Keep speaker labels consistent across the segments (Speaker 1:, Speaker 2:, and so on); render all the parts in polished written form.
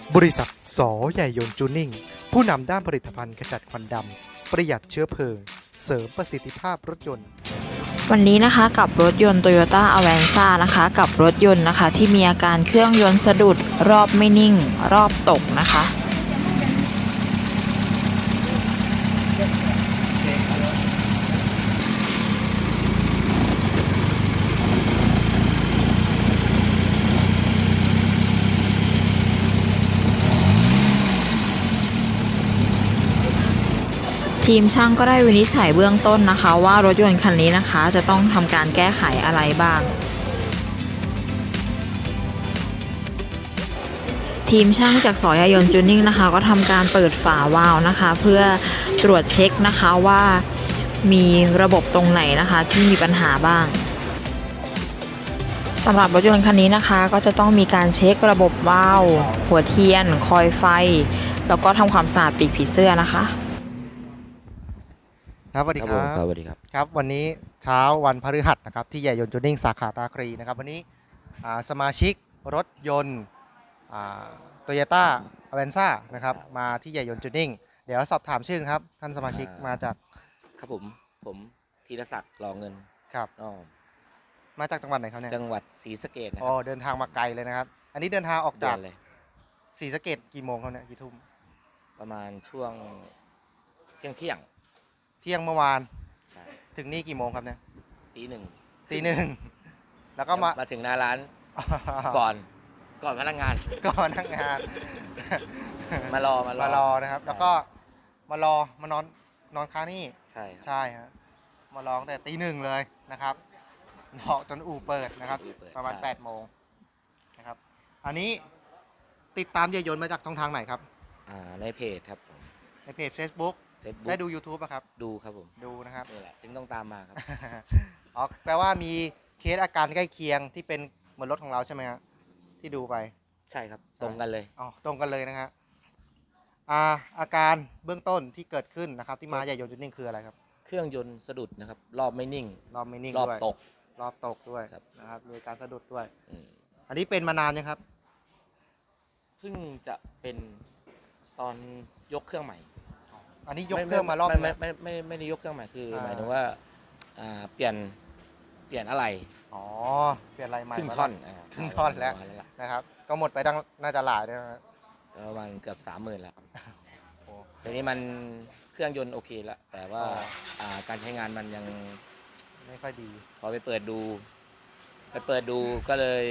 Speaker 1: บริษัทสอใหญ่ยนต์จูนิ่งผู้นำด้านผลิตภัณฑ์ขจัดควันดำประหยัดเชื้อเพลิงเสริมประสิทธิภาพรถยนต์
Speaker 2: วันนี้นะคะกับรถยนต์ Toyota Avanza นะคะกับรถยนต์นะคะที่มีอาการเครื่องยนต์สะดุดรอบไม่นิ่งรอบตกนะคะทีมช่างก็ได้วินิจฉัยเบื้องต้นนะคะว่ารถยนต์คันนี้นะคะจะต้องทำการแก้ไขอะไรบ้าง ทีมช่างจากสอยายนจูนิ่งนะคะก็ทำการเปิดฝาวาล์วนะคะเพื่อตรวจเช็คนะคะว่ามีระบบตรงไหนนะคะที่มีปัญหาบ้างสำหรับรถยนต์คันนี้นะคะก็จะต้องมีการเช็คระบบวาล์วหัวเทียนคอยไฟแล้วก็ทำความสะอาดปีกผีเสื้อนะคะ
Speaker 1: ครับสวัสดีครับ
Speaker 3: สวัสดีครับ
Speaker 1: ครับวันนี้เช้าวันพฤหัสนะครับที่ใหญ่ยนต์จูนิ่งสาขาตาครีนะครับวันนี้สมาชิกรถยนต์โตโยต้าอเวนซ่านะครับมาที่ใหญ่ยนต์จูนิ่งเดี๋ยวสอบถามชื่อครับท่านสมาชิกมาจาก
Speaker 3: ครับผมธีรศักดิ์รอเงิน
Speaker 1: ครับ
Speaker 3: อ๋อ
Speaker 1: มาจากจังหวัดไหนครับเนี่ย
Speaker 3: จังหวัดศรีสะเกษนะค
Speaker 1: อ๋อ
Speaker 3: รับ
Speaker 1: เดินทางมาไกลเลยนะครับอันนี้เดินทางออกจาก
Speaker 3: เลย
Speaker 1: ศรีสะเกษกี่โมงครับเนี่ยกี่ทุ่ม
Speaker 3: ประมาณช่วงเที่ยง
Speaker 1: เที่ยงเมื่อวาน
Speaker 3: ใช่
Speaker 1: ถึงนี่กี่โมงครับเนี่ย
Speaker 3: ตีหนึ่ง
Speaker 1: แล้วก็
Speaker 3: มาถึงหน้าร้านก่อนพนักงาน
Speaker 1: ก่อนพนักงาน
Speaker 3: มารอ
Speaker 1: นะครับแล้วก็มานอนค้างนี่ใช่ฮะมาร้องแต่ตีหนึ่งเลยนะครับรอจนอู่เปิดนะครับประมาณ8 โมงนะครับอันนี้ติดตามเยยนต์มาจากช่องทางไหนครับ
Speaker 3: ในเพจครับผม
Speaker 1: ในเพจ Facebook ได้ดู YouTube อะครับ
Speaker 3: ดูครับผม
Speaker 1: ดูนะครับ
Speaker 3: นี่แหละถึงต้องตามมาครับ
Speaker 1: อ๋อแปลว่ามีเคสอาการใกล้เคียงที่เป็นเหมือนรถของเราใช่ไหมครับที่ดูไป
Speaker 3: ใช่ครับตรงกันเลย
Speaker 1: อ๋อตรงกันเลยนะฮะอาการเบื้องต้นที่เกิดขึ้นนะครับที่มาใหญ่ยนต์จูนิ่งคืออะไรครับ
Speaker 3: เครื่องยนต์สะดุดนะครับรอบไม่นิ่ง
Speaker 1: รอบไม่นิ่ง
Speaker 3: รอบ
Speaker 1: ด้วย
Speaker 3: ตก
Speaker 1: ด้วย
Speaker 3: ครับ
Speaker 1: นะครับมีการสะดุดด้วยอันนี้เป็นมานานยังครับ
Speaker 3: เพิ่งจะเป็นตอนยกเครื่องใหม่
Speaker 1: อันนี้ยกเครื่องมารอบ
Speaker 3: ไม่ได้ยกเครื่องใหม่คือหมายถึงว่าเปลี่ยนอะไร
Speaker 1: อ๋อเปลี่ยนอะไรใหม่
Speaker 3: ครึ่งท่อน
Speaker 1: แล้วนะครับก็หมดไปตั้งน่าจะหลายด้วยนะ
Speaker 3: ประมาณเกือบ30,000แล้วทีนี้มันเครื่องยนต์โอเคแล้วแต่ว่าการใช้งานมันยัง
Speaker 1: ไม่ค่อยดี
Speaker 3: พอไปเปิดดูก็เลย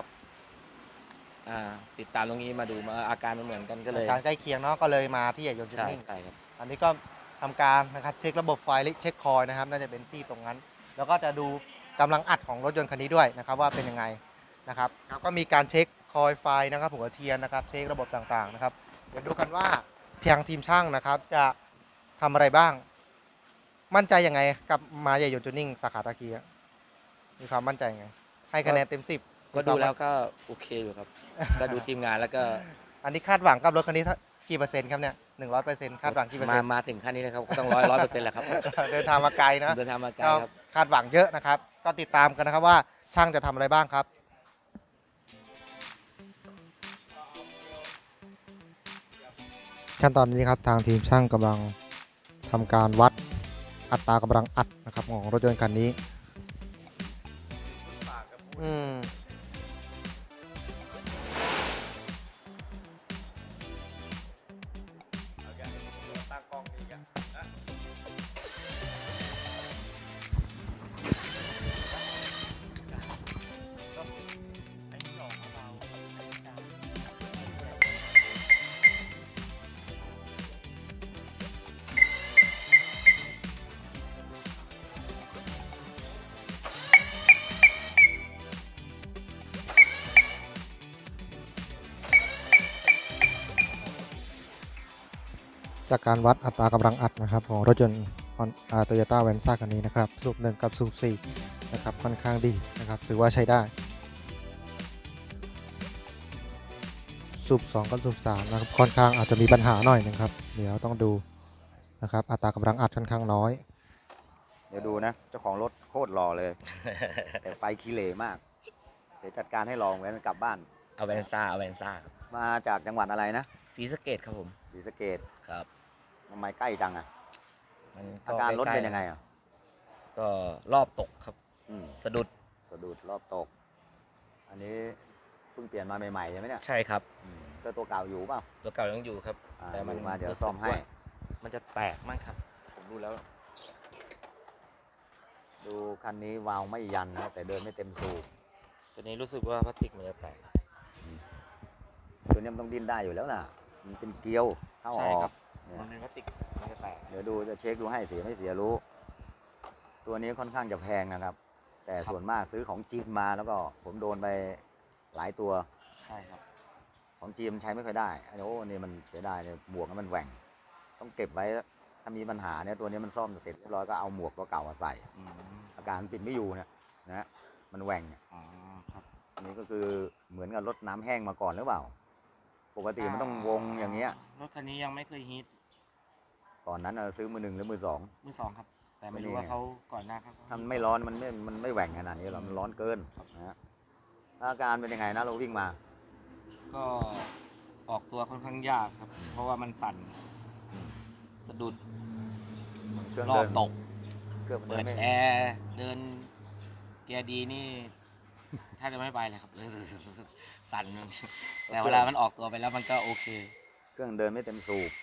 Speaker 3: ติดตามตรงนี้มาดูมาอาการมันเหมือนกันก็เลย
Speaker 1: การใกล้เคียงเนาะก็เลยมาที่ใหญ่ยนต์จูนิ่ง
Speaker 3: ใช่ครับ
Speaker 1: อันนี้ก็ทำการนะครับเช็คระบบไฟเช็คคอยนะครับน่าจะเป็นที่ตรงนั้น แล้วก็จะดูกำลังอัดของรถยนต์คันนี้ด้วยนะครับว่าเป็นยังไงนะครับก็มีการเช็คคอยไฟนะครับหัวเทียนนะครับเช็คระบบต่างๆนะครับเดี๋ยวดูกันว่าทางทีมช่างนะครับจะทำอะไรบ้างมั่นใจยังไงกับมาใหญ่ยนต์จูนิ่งสาขาตะกี้มีความมั่นใจยังไงให้คะแนนเต็ม10
Speaker 3: ก็ดูแล้วก็โอเคอยู่ครับก็ดูทีมงานแล้วก็
Speaker 1: อันนี้คาดหวังกับรถคันนี้กี่เปอร์เซ็นต์ครับเนี่ย100%คาดหวังกี่เปอร์เซ็นต์
Speaker 3: มาถึงขั้นนี้นะครับก็ต้อง100%แหละครับ
Speaker 1: เดินทางมาไกลนะ
Speaker 3: เดินทางมาไกลครับ
Speaker 1: คาดหวังเยอะนะครับก็ติดตามกันนะครับว่าช่างจะทำอะไรบ้างครับขั้นตอนนี้ครับทางทีมช่างกำลังทำการวัดอัตรากำลังอัดนะครับของรถยนต์คันนี้จากการวัดอัตรากำลังอัดนะครับของรถยนต์โตโยต้าแวนซ่าคันนี้นะครับสูบ1กับสูบ4นะครับค่อนข้างดีนะครับถือว่าใช้ได้สูบ2กับสูบ3นะครับค่อนข้างอาจจะมีปัญหาหน่อยนะครับเดี๋ยวต้องดูนะครับอัตรากำลังอัดค่อนข้างน้อย
Speaker 4: เดี๋ยวดูนะเจ้าของรถโคตรหล่อเลย แต่ไฟขี้เหร่มากเดี๋ยวจัดการให้ลองไว้มันกลับบ้าน
Speaker 3: เอาแวนซ่า
Speaker 4: มาจากจังหวัดอะไรนะ
Speaker 3: ศรีสะเกษครับผม
Speaker 4: ศรีสะเกษ
Speaker 3: ครับ
Speaker 4: ทำไมใกล้จังอ่ะ
Speaker 3: มัน
Speaker 4: อาการรถ
Speaker 3: ใล้ๆ
Speaker 4: เป็นยังไงอ่ะ
Speaker 3: ก็รอบตกครับ
Speaker 4: อืม
Speaker 3: สะดุด
Speaker 4: สะดุดรอบตก อันนี้เพิ่งเปลี่ยนมาใหม่ๆใช่ไหมเนี่ย
Speaker 3: ใช่ครับ
Speaker 4: ก็ตัวเก่าอยู่เปล่า
Speaker 3: ตัวเก่ายังอยู่ครับ แต่มัน
Speaker 4: อยู่มาเดี๋ยว
Speaker 3: รู้สึก
Speaker 4: ซ่อมให้
Speaker 3: ว่ามันจะแตกมั้งครับ ผมดูแล้ว
Speaker 4: ดูคันนี้วาล์วไม่ยันนะแต่เดินไม่เต็มสูบ
Speaker 3: ตัวนี้รู้สึกว่าพลาสติกมันจะแตก
Speaker 4: ตัวนี้มันต้องดิ้นได้อยู่แล้วน่ะ มันเป็นเกลียวเข้าอ
Speaker 3: ใช่
Speaker 4: อ
Speaker 3: ครั
Speaker 4: ก
Speaker 3: บ
Speaker 4: เนี่ย
Speaker 3: มันเป็นพลาสติกมันจะแตก
Speaker 4: เดี๋ยวดูจะเช็คดูให้เสียไม่เสียรู้ ตัวนี้ค่อนข้างจะแพงนะครับ แต่
Speaker 3: ครับ
Speaker 4: ส่วนมากซื้อของจีนมาแล้วก็ผมโดนไปหลายตัว
Speaker 3: ใช่ครับ
Speaker 4: ของจีนมันใช้ไม่ค่อยได้ไอ้โอ้นี่มันเสียดายเลยหมวกมันแหว่ง ต้องเก็บไว้ถ้ามีปัญหาเนี่ยตัวนี้มันซ่อมเสร็จเรียบร้อยก็เอาหมวกตัวเก่ามาใส่
Speaker 3: อืม
Speaker 4: อาการปิดไม่อยู่เนี่ยนะมันแหว่งเนี่ย
Speaker 3: อ๋อครับ
Speaker 4: อันนี้ก็คือเหมือนกับรถน้ำแห้งมาก่อนหรือเปล่า ปกติมันต้องวงอย่างเงี้ย
Speaker 3: รถคันนี้ยังไม่เคยฮิต
Speaker 4: ก่อนนั้นเราซื้อมือหนึ่งหรือมือสอง
Speaker 3: มือสองครับ แต่ไม่รู้
Speaker 4: นี่ไง
Speaker 3: ว่าเขาก่อนหน้าเขา
Speaker 4: ถ้ามันไม่ร้อนมันไม่แหว่งขนาดนี้หรอกมันร้อนเกินนะฮะอาการเป็นยังไงนะเราวิ่งมา
Speaker 3: ก็ออกตัวค่อนข้างยากครับ เพราะว่ามันสั่นสะดุด
Speaker 4: เครื่อง
Speaker 3: รอ
Speaker 4: เดิ
Speaker 3: บ
Speaker 4: น
Speaker 3: ตก
Speaker 4: เครื่องมัน
Speaker 3: เปิ
Speaker 4: เดิ
Speaker 3: ด
Speaker 4: นไม่
Speaker 3: แอร์เดินเกียร์ดีนี่ ถ้าจะไม่ไปเลยครับ สั่นแต่เวลามันออกตัวไปแล้วมันก็โอเค
Speaker 4: เครื่องเดินไม่เต็มสูบ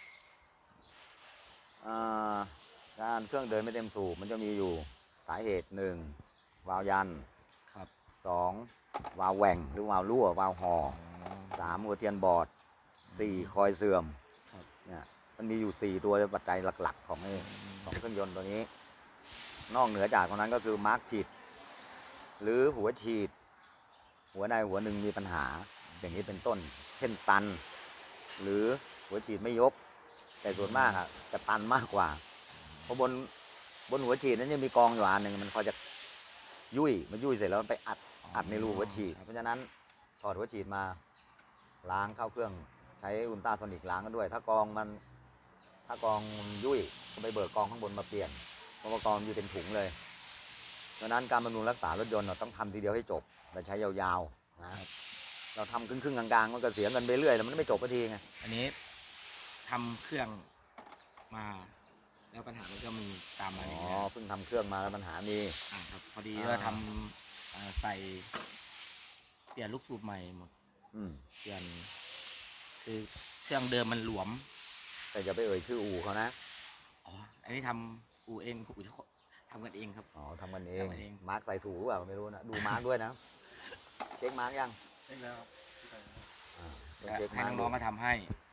Speaker 4: การเครื่องเดินไม่เต็มสูบมันจะมีอยู่สาเหตุหนึ่งวาล์วยัน
Speaker 3: ครับ
Speaker 4: สองวาล์วแหว่งหรือวาล์วรั่ววาล์วห่อสามหัวเทียนบอดสี่คอยเสื่อม
Speaker 3: ครับ
Speaker 4: เนี่ยมันมีอยู่ 4 ตัวปัจจัยหลักๆ ของเครื่องยนต์ตัวนี้ นอกเหนือจากตรงนั้นก็คือมาร์กผิด หรือหัวฉีด หัวใดหัวหนึ่งมีปัญหาอย่างนี้เป็นต้น เช่นตัน หรือหัวฉีดไม่ยก แต่ส่วนมากอะจะตันมากกว่า เพราะบนหัวฉีดนั้นยังมีกองอยู่อันหนึ่งมันพอจะยุ่ยมันยุ่ยเสร็จแล้วมันไปอัดในรูหัวฉีด เพราะฉะนั้นถอดหัวฉีดมาล้างเข้าเครื่องใช้อุลตราโซนิกล้างกันด้วย ถ้ากองมันยุ่ยก็ไปเบิกกองข้างบนมาเปลี่ยนเพราะว่ากองอยู่เป็นถุงเลยดังนั้นการบำรุงรักษารถยนต์เราต้องทำทีเดียวให้จบเราใช้ยาวๆนะเราทำครึ่งๆกลางๆมันก็เสียเงินไปเรื่อยแล้วมันไม่จบสักทีไง
Speaker 3: อันนี้ทำเครื่องมา แล้วปัญหามันก็มีตามมา
Speaker 4: อ๋
Speaker 3: อ
Speaker 4: อย่าง
Speaker 3: เงี้ย
Speaker 4: เพิ่งทำเครื่องมาแล้วปัญหามี
Speaker 3: ครับพอดีว่าทำใส่เปลี่ยนลูกสูบใหม่หมด
Speaker 4: อืม
Speaker 3: เปลี่ยนคือเครื่องเดิมมันหลวม
Speaker 4: แต่อย่าไปเอ่ยชื่ออู่เขานะ
Speaker 3: อ๋ออันนี้ทำอู่เองอู่ทำกันเองครับ
Speaker 4: อ๋อทำกันเอง
Speaker 3: ทำกันเอง
Speaker 4: มาร์กใส่ถูกหรือเปล่าไม่รู้นะดูมาร์กด้วยนะเช็คมาร์กยัง
Speaker 3: ใช่แล้ว
Speaker 4: ต้องเช็ค
Speaker 3: ให้
Speaker 4: มาร์ก
Speaker 3: น้องๆมาทำให้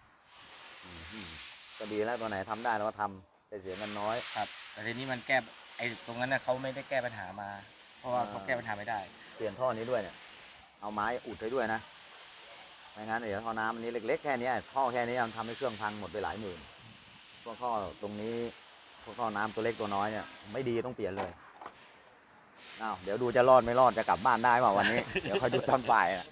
Speaker 4: ก็ดีแล้วตัวไหนทำได้เราก็ทำแต่เสียเงินน้อย
Speaker 3: ครับ แต่ทีนี้มันแก้ไอ้ตรงนั้นนะเขาไม่ได้แก้ปัญหามา เพราะว่าเขาแก้ปัญหาไม่ได้
Speaker 4: เปลี่ยนท่อนี้ด้วยเนี่ย เอาไม้อุดให้ด้วยนะ ไม่งั้นเดี๋ยวท่อน้ำอันนี้เล็กๆแค่นี้ท่อแค่นี้มันทำให้เครื่องพังหมดไปหลายหมื่น พวกท่อตรงนี้ พวกท่อน้ำตัวเล็กตัวน้อยเนี่ยไม่ดีต้องเปลี่ยนเลยอ้าวเดี๋ยวดูจะรอดไม่รอดจะกลับบ้านได้เปล่าวันนี้ เดี๋ยวคอยดูตอนบ่ายอะ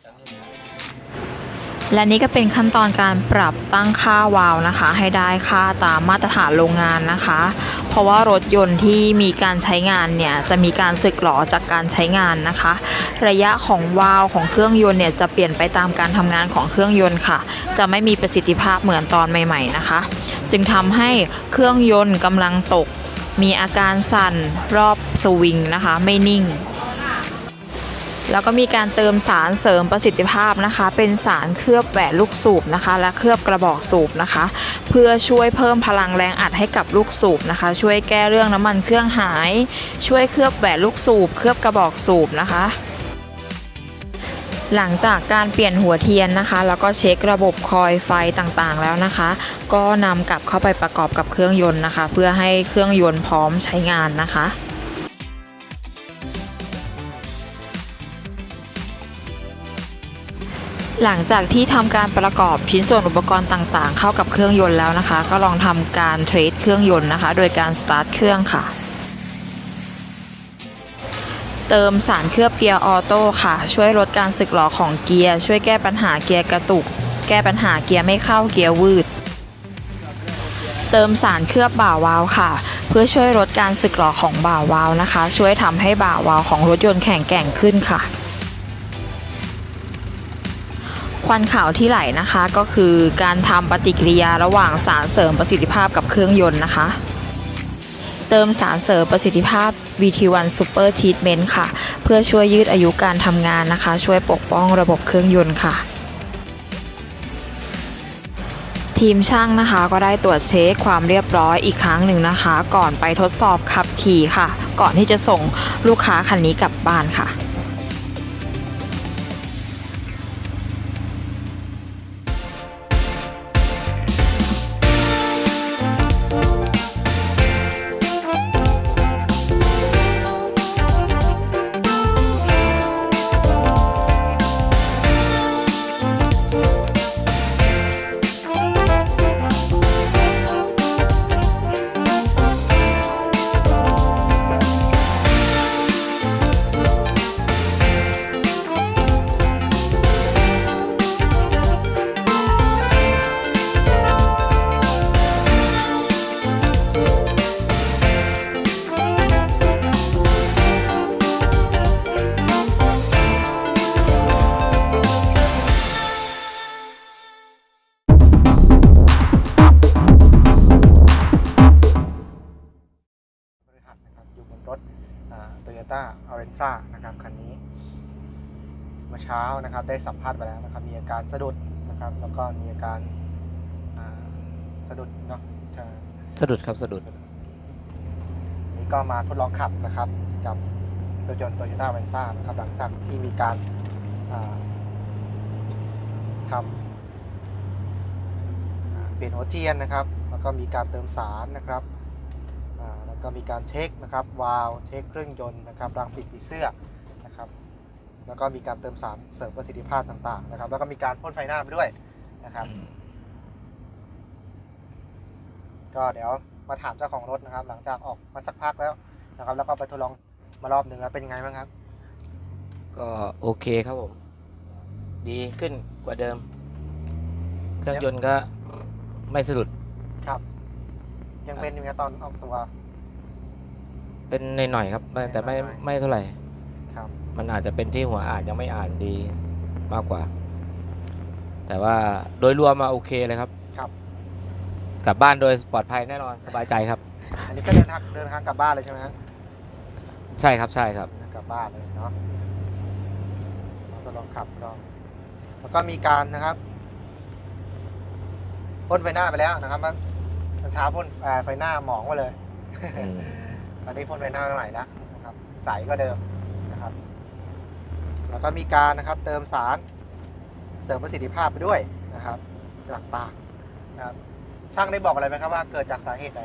Speaker 2: และนี่ก็เป็นขั้นตอนการปรับตั้งค่าวาล์วนะคะ ให้ได้ค่าตามมาตรฐานโรงงานนะคะ เพราะว่ารถยนต์ที่มีการใช้งานเนี่ยจะมีการสึกหรอจากการใช้งานนะคะ ระยะของวาล์วของเครื่องยนต์เนี่ยจะเปลี่ยนไปตามการทำงานของเครื่องยนต์ค่ะ จะไม่มีประสิทธิภาพเหมือนตอนใหม่ๆนะคะ จึงทำให้เครื่องยนต์กำลังตก มีอาการสั่นรอบสวิงนะคะไม่นิ่ง แล้วก็มีการเติมสารเสริมประสิทธิภาพนะคะ เป็นสารเคลือบแหวนลูกสูบนะคะ และเคลือบกระบอกสูบนะคะ เพื่อช่วยเพิ่มพลังแรงอัดให้กับลูกสูบนะคะ ช่วยแก้เรื่องน้ำมันเครื่องหาย ช่วยเคลือบแหวนลูกสูบเคลือบกระบอกสูบนะคะ หลังจากการเปลี่ยนหัวเทียนนะคะ แล้วก็เช็คระบบคอยไฟต่างๆแล้วนะคะ ก็นำกลับเข้าไปประกอบกับเครื่องยนต์นะคะ เพื่อให้เครื่องยนต์พร้อมใช้งานนะคะ หลังจากที่ทำการประกอบชิ้นส่วนอุปกรณ์ต่างๆ เข้ากับเครื่องยนต์แล้วนะคะ ก็ลองทำการเทรสเครื่องยนต์นะคะ โดยการสตาร์ทเครื่องค่ะ เติมสารเคลือบเกียร์ออโต้ค่ะ ช่วยลดการสึกหรอของเกียร์ช่วยแก้ปัญหาเกียร์กระตุก แก้ปัญหาเกียร์ไม่เข้าเกียร์วืด เติมสารเคลือบบ่าวาล์วค่ะ เพื่อช่วยลดการสึกหรอของบ่าวาล์วนะคะ ช่วยทำให้บ่าวาล์วของรถยนต์แข็งแกร่งขึ้นค่ะ คควันขาวที่ไหลนะคะก็คือการทำปฏิกิริยาระหว่างสารเสริมประสิทธิภาพกับเครื่องยนต์นะคะ เติมสารเสริมประสิทธิภาพ VT1 Super Treatment ค่ะ เพื่อช่วยยืดอายุการทำงานนะคะ ช่วยปกป้องระบบเครื่องยนต์ค่ะ ทีมช่างนะคะก็ได้ตรวจเช็คความเรียบร้อยอีกครั้งหนึ่งนะคะ ก่อนไปทดสอบขับขี่ค่ะ ก่อนที่จะส่งลูกค้าคันนี้กลับบ้านค่ะ
Speaker 1: บริษัทนะครับอยู่บนรถToyota Avenza นะครับคันนี้เมื่อเช้านะครับได้สัมภาษณ์ไปแล้วนะครับมีอาการสะดุดนะครับแล้วก็มีอาการสะดุดเนาะใช่
Speaker 3: สะดุดครับสะดุด
Speaker 1: นี่ก็มาทดลองขับนะครับกับรถยนต์ Toyota Avenza นะครับหลังจากที่มีการทำเปลี่ยนหัวเทียนนะครับแล้วก็มีการเติมสารนะครับแล้วก็มีการเช็คนะครับวาล์วเช็คเครื่องยนต์นะครับรางปีกผีเสื้อนะครับแล้วก็มีการเติมสารเสริมประสิทธิภาพต่างๆนะครับแล้วก็มีการพ่นไฟหน้าไปด้วยนะครับก็เดี๋ยวมาถามเจ้าของรถนะครับหลังจากออกมาสักพักแล้วนะครับแล้วก็ไปทดลองมารอบหนึ่งแล้วเป็นยังไงบ้างครับ
Speaker 3: ก็โอเคครับผม ดีขึ้นกว่าเดิม เครื่องยนต์ก็ไม่สะดุด
Speaker 1: ครับยังเป็นอยู่นะตอนออกตัว
Speaker 3: เป็นหน่อยๆครับแต่ไม่เท่าไหร่
Speaker 1: ครับ
Speaker 3: มันอาจจะเป็นที่หัวอ่านยังไม่อ่านดีมากกว่า แต่ว่าโดยรวมมาโอเคเลยครับ
Speaker 1: ครับ
Speaker 3: กลับบ้านโดยปลอดภัยแน่นอนสบายใจครับ
Speaker 1: อันนี้ก็เดินทางกลับบ้านเลยใช่ไหมครับ
Speaker 3: ใช่ครับใช่ครับ
Speaker 1: กลับบ้านเลยเนาะเราจะลองขับลองแล้วก็มีการนะครับพ่นไฟหน้าไปแล้วนะครับเมื่อเช้าพ่นไฟหน้าหมองมาเลย ตอนนี้พ่นไฟหน้าใหม่แล้วนะครับใสก็เดิมนะครับแล้วก็มีการนะครับเติมสารเสริมประสิทธิภาพไปด้วยนะครับต่างๆนะครับช่างได้บอกอะไรไหมครับว่าเกิดจากสาเหตุใด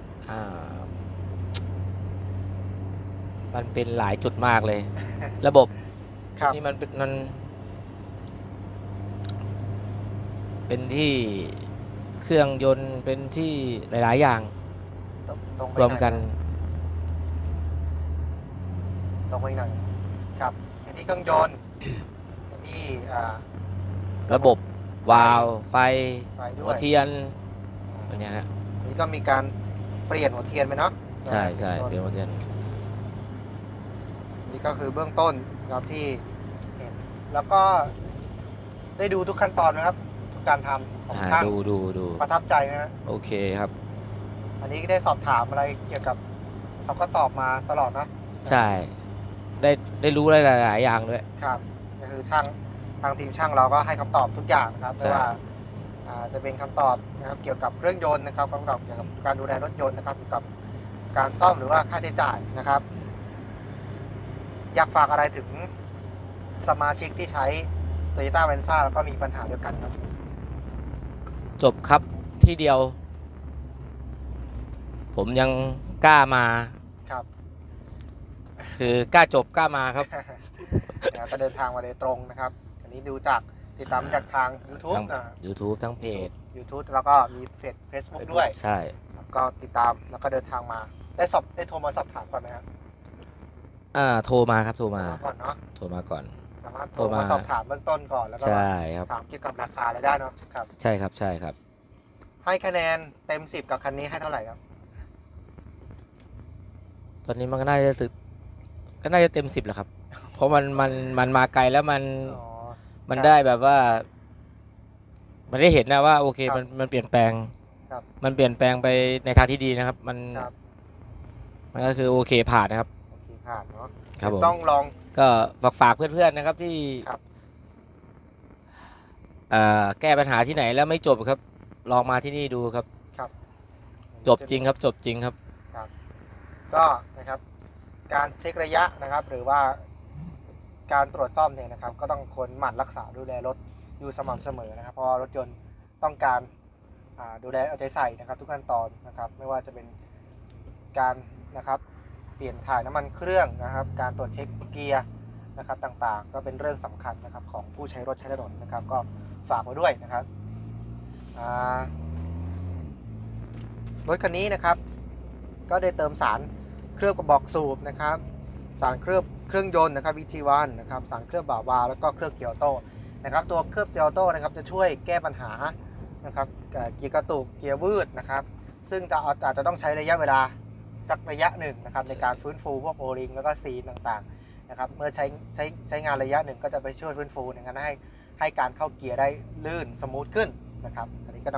Speaker 3: มันเป็นหลายจุดมากเลย ระบบ
Speaker 1: ครับ
Speaker 3: นี่มันเป็นที่เครื่องยนต์เป็นที่หลายๆอย่าง
Speaker 1: ตรงไป
Speaker 3: รวมกัน
Speaker 1: ตรงไปหน่อยครับอันนี้เครื่องยนต์อันนี้
Speaker 3: ระบบวาล์วไฟ
Speaker 1: ไฟด้
Speaker 3: หั
Speaker 1: ว
Speaker 3: วย เทียนอันเนี้ยฮะ
Speaker 1: อันนี้ก็มีการเปลี่ยนหัวเทียนไปเนาะ
Speaker 3: ใช่ใช่เปลี่ยนหัวเทียน
Speaker 1: นี่ก็คือเบื้องต้นนะครับที่เห็นแล้วก็ได้ดูทุกขั้นตอนนะครับทุกการทำของช่าง
Speaker 3: ดู
Speaker 1: ประทับใจนะฮะ
Speaker 3: โอเคครับ
Speaker 1: อันนี้ได้สอบถามอะไรเกี่ยวกับเขาก็ตอบมาตลอดนะ
Speaker 3: ใช่ ได้รู้หลายๆอย่างด้วย
Speaker 1: ครับก็คือช่างทางทีมช่างเราก็ให้คำตอบทุกอย่างนะครับ
Speaker 3: ใช่
Speaker 1: ไม่ว่าจะเป็นคำตอบนะครับเกี่ยวกับเครื่องยนต์นะครับคำตอบเกี่ยวกับการดูแลรถยนต์นะครับเกี่ยวกับการซ่อมหรือว่าค่าใช้จ่ายนะครับ อยากฝากอะไรถึงสมาชิกที่ใช้ Toyota Avenza แล้วก็มีปัญหาเดียวกันครับ
Speaker 3: จบครับที่เดียว ผมยังกล้ามา
Speaker 1: ครับ
Speaker 3: คือกล้าจบกล้ามาครับ
Speaker 1: ก็เดินทางมาโดยตรงนะครับ อันนี้ดูจากติดตามจากทาง YouTube
Speaker 3: ทั้ง YouTube ทั้งเพจ
Speaker 1: YouTube แล้วก็มีFacebook ด้วย
Speaker 3: ใช่
Speaker 1: ก็ติดตามแล้วก็เดินทางมาได้โทรมาสอบถามก่อนไหมครับ
Speaker 3: โทรมาครับโทรมา
Speaker 1: ก่อนเนาะ
Speaker 3: โทรมาก่อน
Speaker 1: สามารถโทรมาสอบถามเบื้องต้นก่อนแล้วก็
Speaker 3: ใช่ครับ
Speaker 1: ถามเกี่ยวกับราคาอะไรได้เนาะครับ
Speaker 3: ใช่ครับใช่ครับ
Speaker 1: ให้คะแนนเต็ม 10 กับคันนี้ให้เท่าไหร่ครับ
Speaker 3: ตอนนี้มันก็น่าจะเต็ม 10แหละครับ เพราะมันมาไกลแล้วมัน
Speaker 1: อ๋อ
Speaker 3: ได้แบบว่ามันได้เห็นนะว่าโอเค
Speaker 1: ครับ
Speaker 3: มันเปลี่ยนแปลง
Speaker 1: ครับ
Speaker 3: มันเปลี่ยนแปลงไปในทางที่ดีนะครับ
Speaker 1: ครับ
Speaker 3: มันก็คือโอเคผ่านนะครับ
Speaker 1: โอเคผ่านเนาะ
Speaker 3: ครับผม
Speaker 1: ต้องลอง
Speaker 3: ก็ฝากเพื่อนๆนะครับที่
Speaker 1: ครับ
Speaker 3: แก้ปัญหาที่ไหนแล้วไม่จบครับลองมาที่นี่ดูครับ
Speaker 1: ครับ
Speaker 3: จบจริงครับจบจริงครับ
Speaker 1: ก็นะครับการเช็คระยะนะครับ หรือว่าการตรวจซ่อมเนี่ยนะครับ ก็ต้องคนหมั่นรักษาดูแลรถอยู่สม่ำเสมอนะครับ เพราะว่ารถยนต์ต้องการดูแลเอาใจใส่นะครับ ทุกขั้นตอนนะครับ ไม่ว่าจะเป็นการนะครับเปลี่ยนถ่ายน้ำมันเครื่องนะครับ การตรวจเช็คเกียร์นะครับต่างๆ ก็เป็นเรื่องสำคัญนะครับของผู้ใช้รถใช้ถนนนะครับ ก็ฝากไว้ด้วยนะครับรถคันนี้นะครับ ก็ได้เติมสารเคลือบกระบอกสูบนะครับ สารเคลือบเครื่องยนต์นะครับ VT1 นะครับสารเคลือบบ่าวาแล้วก็เคลือบเกียร์ออโต้นะครับ ตัวเคลือบเกียร์ออโต้นะครับจะช่วยแก้ปัญหานะครับเกียร์กระตุกเกียร์วืดนะครับ ซึ่งอาจจะต้องใช้ระยะเวลาสักระยะหนึ่งนะครับในการฟื้นฟูพวกโอริงแล้วก็ซีนต่างๆนะครับเมื่อใช้งานระยะหนึ่งก็จะไปช่วยฟื้นฟูในการให้การเข้าเกียร์ได้ลื่นสมูทขึ้นนะครับอันนี้ก็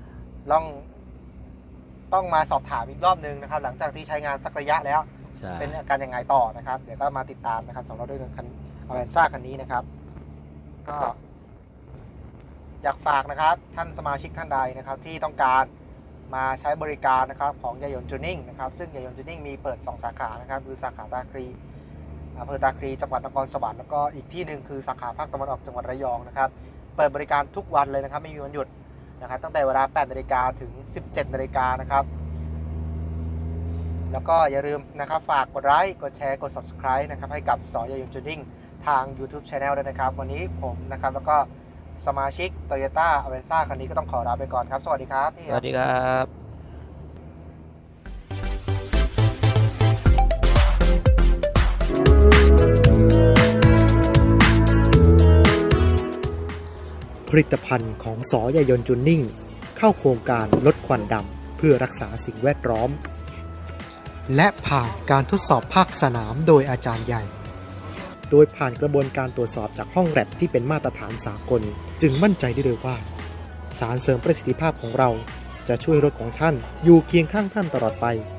Speaker 1: ต้องมาสอบถามอีกรอบนึงนะครับหลังจากที่ใช้งานสักระยะแล้ว
Speaker 3: ใช่
Speaker 1: เป็นอาการยังไงต่อนะครับเดี๋ยวก็มาติดตามนะครับสำหรับเรื่องคันอเวนซ่าคันนี้นะครับก็อยากฝากนะครับท่านสมาชิกท่านใดนะครับที่ต้องการมาใช้บริการนะครับของยายนจูนิ่งนะครับซึ่งยายนจูนิ่งมีเปิด2สาขานะครับคือสาขาตาคลีอำเภอตาคลีจังหวัดนครสวรรค์แล้วก็อีกที่หนึ่งคือสาขาภาคตะวันออกจังหวัดระยองนะครับเปิดบริการทุกวันเลยนะครับไม่มีวันหยุดนะครับตั้งแต่เวลา 8 นาฬิกาถึง 17 นาฬิกานะครับแล้วก็อย่าลืมนะครับฝากกดไลค์กดแชร์กด Subscribe นะครับให้กับสอยายนจูนิ่งทาง YouTube Channel ด้วยนะครับวันนี้ผมนะครับแล้วก็สมาชิก Toyota Avenza คันนี้ก็ต้องขอลาไปก่อนครับสวัสดีครับพี่
Speaker 3: สวัสดีครับ
Speaker 1: ผลิตภัณฑ์ของสอยายนจูนิ่งเข้าโครงการลดควันดำเพื่อรักษาสิ่งแวดล้อมและผ่านการทดสอบภาคสนามโดยอาจารย์ใหญ่โดยผ่านกระบวนการตรวจสอบจากห้องแลบที่เป็นมาตรฐานสากลจึงมั่นใจได้เลยว่าสารเสริมประสิทธิภาพของเราจะช่วยรถของท่านอยู่เคียงข้างท่านตลอดไป